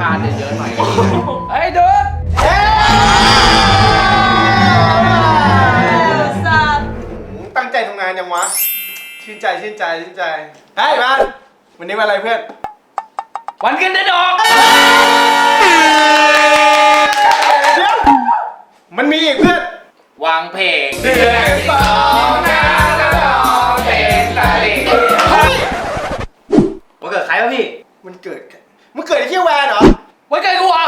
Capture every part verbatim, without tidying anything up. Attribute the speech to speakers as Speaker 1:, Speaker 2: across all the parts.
Speaker 1: านเยอะๆหน่อยก็ดีไอ้ดูด
Speaker 2: ตั้งใจทำงานยังวะชื่นใจชื่นใจชื่นใจเฮ้ยมาวันนี้วันอะไรเพื่อน
Speaker 1: วันขึ้นเดือนออก
Speaker 2: เดี๋ยวมันมีอีกเพื่อน
Speaker 1: วางเพลงเดือนสองนะแล้วรอเพลงตาลีวันเกิดใครวะพี่
Speaker 2: มันเกิดมันเกิดไอ้เที่ยวแวนเหรอ
Speaker 1: วันเกิดกูเหรอ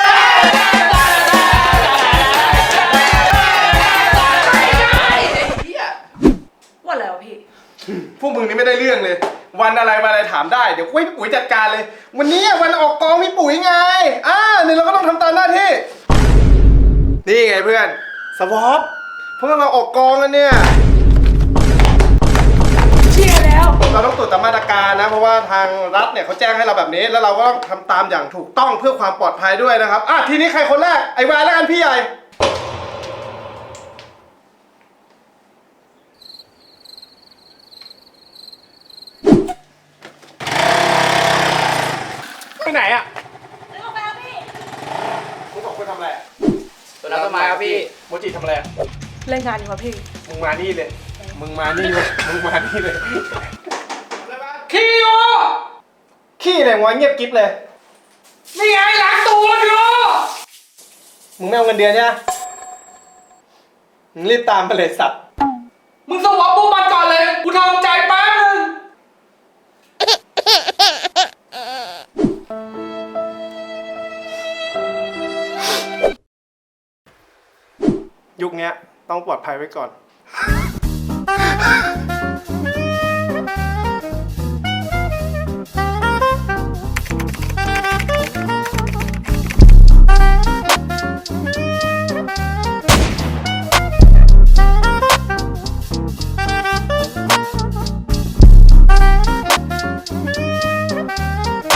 Speaker 3: วันอะไรวะพี่
Speaker 2: พวกมึงนี่ไม่ได้เรื่องเลยวันอะไรมาอะไรถามได้เดี๋ยวคุยพี่ปุ๋ยจัดการเลยวันนี้วันออกกองพี่ปุ๋ยไงอ่าเนี่ยเราก็ต้องทำตามหน้าที่นี่ไงเพื่อนสวอปพวกเราออกกองกันเนี่ย
Speaker 3: เชียร์แล้ว
Speaker 2: เราต้องตรวจตามมาตรการนะเพราะว่าทางรัฐเนี่ยเขาแจ้งให้เราแบบนี้แล้วเราก็ต้องทำตามอย่างถูกต้องเพื่อความปลอดภัยด้วยนะครับอ่ะทีนี้ใครคนแรกไอ้วายแล้วกันพี่ใหญ่ไปไหนอ่ะ
Speaker 3: ไปออกไปครับพี่
Speaker 2: มึงสองคนทำอะไร
Speaker 1: ตัวน้ำต้นไม้ครับพี่
Speaker 2: โมจิทำอะไร
Speaker 3: เล่นงานอยู่ครับพี่
Speaker 2: มึงมานี่เลยมึงมานี่เลยมึงมานี่เลย
Speaker 1: ขี้โอ
Speaker 2: ขี้เลยงอยเงียบกิ๊บเลย
Speaker 1: นี่ไงล้างตัวอยู่
Speaker 2: มึงไม่เอาเงินเดือนใช่ไหมมึงรีบตามมาเลยสัตว์
Speaker 1: มึงสวอปปุ๊บมันก่อนเลยกูทำใจแป๊บนึง
Speaker 2: ยุคนี้ต้องปลอดภัยไว้ก่อน